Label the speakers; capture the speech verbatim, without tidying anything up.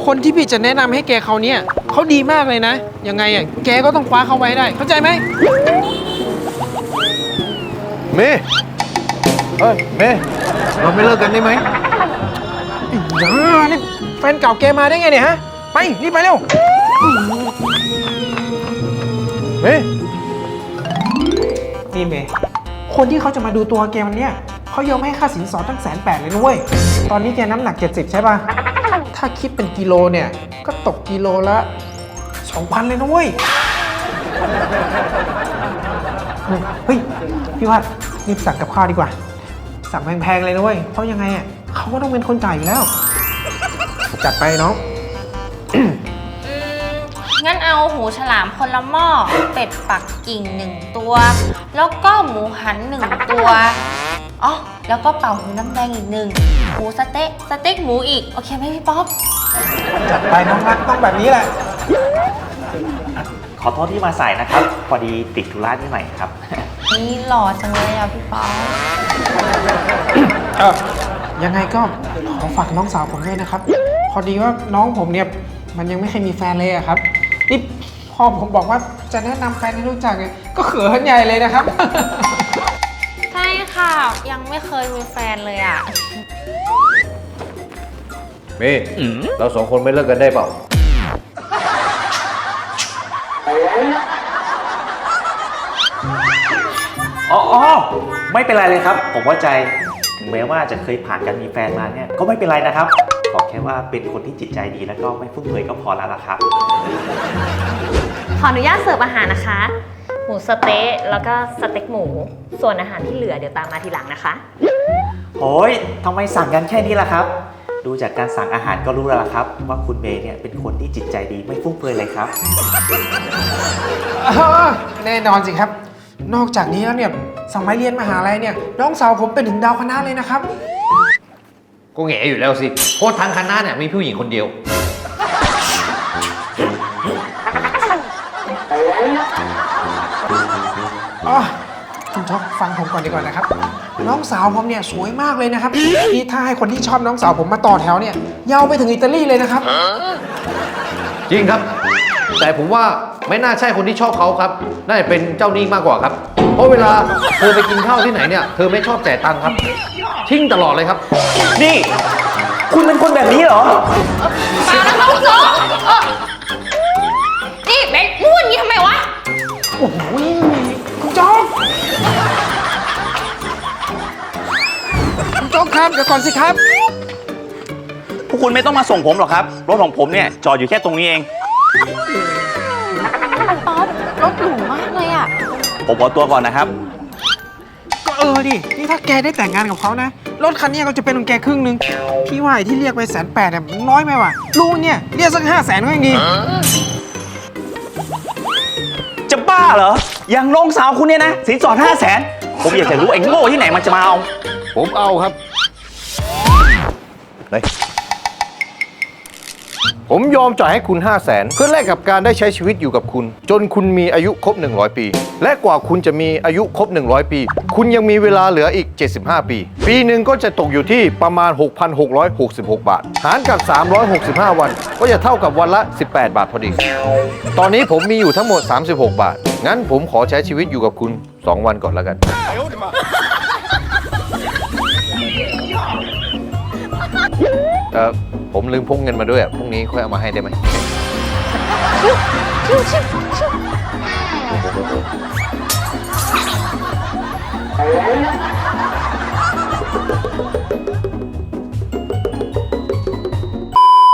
Speaker 1: คนที่พี่จะแนะนำให้แกเขาเนี่ยเขาดีมากเลยนะยังไงอ่ะแกก็ต้องคว้าเขาไว้ได้เข้าใจไหม
Speaker 2: เมย์เฮ้ยเมย์เราไม่เลิกกันได้ไหม
Speaker 1: อย่านี่แฟนเก่าแกมาได้ไงเนี่ยฮะไปรีบไปเร็ว
Speaker 2: เมย์
Speaker 1: นี่เมย์คนที่เขาจะมาดูตัวแกวันเนี้ยเขายอมให้ค่าสินสอดตั้งแสนแปดเลยนะเว้ยตอนนี้แกน้ำหนักเจ็ดสิบใช่ป่ะถ้าคิดเป็นกิโลเนี่ยก็ตกกิโลละสองพันเลยนะเว้ยเฮ้ยพี่วัดรีบสั่งกับข้าวดีกว่าสั่งแพงๆเลยนะเว้ยเพราะยังไงอ่ะเขาก็ต้องเป็นคนจ่ายอยู่แล้วจัดไปน้อง
Speaker 3: งั้นเอาหูฉลามคนละหม้อเป็ดปักกิ่งหนึ่งตัวแล้วก็หมูหันหนึ่งตัวอ๋อแล้วก็เป่าหูน้ำแดงอีกหนึ่งหมูสเต๊ะสเต็กหมูอีกโอเคไหมพี่ป๊อป
Speaker 1: จัดไปน้องรักต้องแบบนี้แหละ
Speaker 4: ขอโทษที่มาสายนะครับพอดีติดธุระนิดหน่อยครับ
Speaker 3: นี่หล่อจังเลยอ่ะพี่ป๊อป
Speaker 1: เออยังไงก็ขอฝากน้องสาวผมด้วยนะครับพอดีว่าน้องผมเนี่ยมันยังไม่เคยมีแฟนเลยอะครับนี่พอผมบอกว่าจะแนะนำแฟนให้รู้จักเนี่ยก็เขินใหญ่เลยนะครับ
Speaker 3: ใช่ค่ะยังไม่เคยมีแฟนเลยอ่ะ
Speaker 2: เมย์เราสองคนไม่เลิกกันได้เปล่า
Speaker 4: อ๋อไม่เป็นไรเลยครับผมเข้าใจถึงแม้ว่าจะเคยผ่านการมีแฟนมาเนี่ยก็ไม่เป็นไรนะครับขอแค่ว่าเป็นคนที่จิตใจดีแล้วก็ไม่ฟุ่มเฟือยก็พอแล้วล่ะครับ
Speaker 5: ขออนุญาตเสิร์ฟอาหารนะคะหมูสเต๊ะแล้วก็สเต็กหมูส่วนอาหารที่เหลือเดี๋ยวตามมาทีหลังนะคะ
Speaker 4: โอ้ยทำไมสั่งกันแค่นี้ล่ะครับดูจากการสั่งอาหารก็รู้แล้วล่ะครับว่าคุณเมย์เนี่ยเป็นคนที่จิตใจดีไม่ฟุ่มเฟือยเลยครับ
Speaker 1: แน่นอนสิครับนอกจากนี้แล้วเนี่ยสมัยเรียนมหาลัยเนี่ยน้องสาวผมเป็นถึงดาวคณะเลยนะครับ
Speaker 2: ก็แง่อยู่แล้วสิโคตรทางคณะเนี่ยมีผู้หญิงคนเดียว
Speaker 1: อ๋อคุณช็อกฟังผมก่อนดีกว่านะครับน้องสาวผมเนี่ยสวยมากเลยนะครับนี่ถ้าให้คนที่ชอบน้องสาวผมมาต่อแถวเนี่ยยาวไปถึงอิตาลีเลยนะครับ
Speaker 2: จริงครับแต่ผมว่าไม่น่าใช่คนที่ชอบเขาครับน่าจะเป็นเจ้าหนี้มากกว่าครับเพราะเวลาเธอไปกินข้าวที่ไหนเนี่ยเธอไม่ชอบจ่ายตังค์ครับทิ้งตลอดเลยครับ
Speaker 4: นี่คุณเป็นคนแบบนี้เหรอ
Speaker 3: มาแล้วครับคุณโจ๊กนี่เบนพูดอย่างนี้ทำไมวะ
Speaker 1: โอ้โหคุณโจ๊กคุณโจ๊กครับเดี๋ยวก่อนสิครับ
Speaker 4: พวกคุณไม่ต้องมาส่งผมหรอกครับรถของผมเนี่ยจอดอยู่แค่ตรงนี้เอง
Speaker 3: ป๊อปรถหรูมากเลยอ่ะ
Speaker 4: ผมขอตัวก่อนนะครับ
Speaker 1: ก็เออดินี่ถ้าแกได้แต่งงานกับเขานะรถคันนี้ก็จะเป็นของแกครึ่งนึงพี่ว่าที่เรียกไปแสนแปดเนี่ยน้อยไหมวะลูกเนี่ยเรียกสักห้าแสนก็ยังดี
Speaker 4: จะบ้าเหรออย่างน้องสาวคุณเนี่ยนะสินสอดห้าแสนผมอยากจะรู้ไอ้โง่ที่ไหนมันจะมาเอา
Speaker 2: ผมเอาครับไหนผมยอมจ่ายให้คุณ ห้าแสน เพื่อแลกกับการได้ใช้ชีวิตอยู่กับคุณจนคุณมีอายุครบหนึ่งร้อยปีและกว่าคุณจะมีอายุครบหนึ่งร้อยปีคุณยังมีเวลาเหลืออีกเจ็ดสิบห้าปีปีหนึ่งก็จะตกอยู่ที่ประมาณ หกพันหกร้อยหกสิบหก บาทหารกับสามร้อยหกสิบห้าวันก็จะเท่ากับวันละสิบแปดบาทพอดีตอนนี้ผมมีอยู่ทั้งหมดสามสิบหกบาทงั้นผมขอใช้ชีวิตอยู่กับคุณสองวันก่อนแล้วกันเออผมลืมพกเงินมาด้วยอ่ะพรุ่งนี้ค่อยเอามาให้ได้ไหมชิวชิวชิว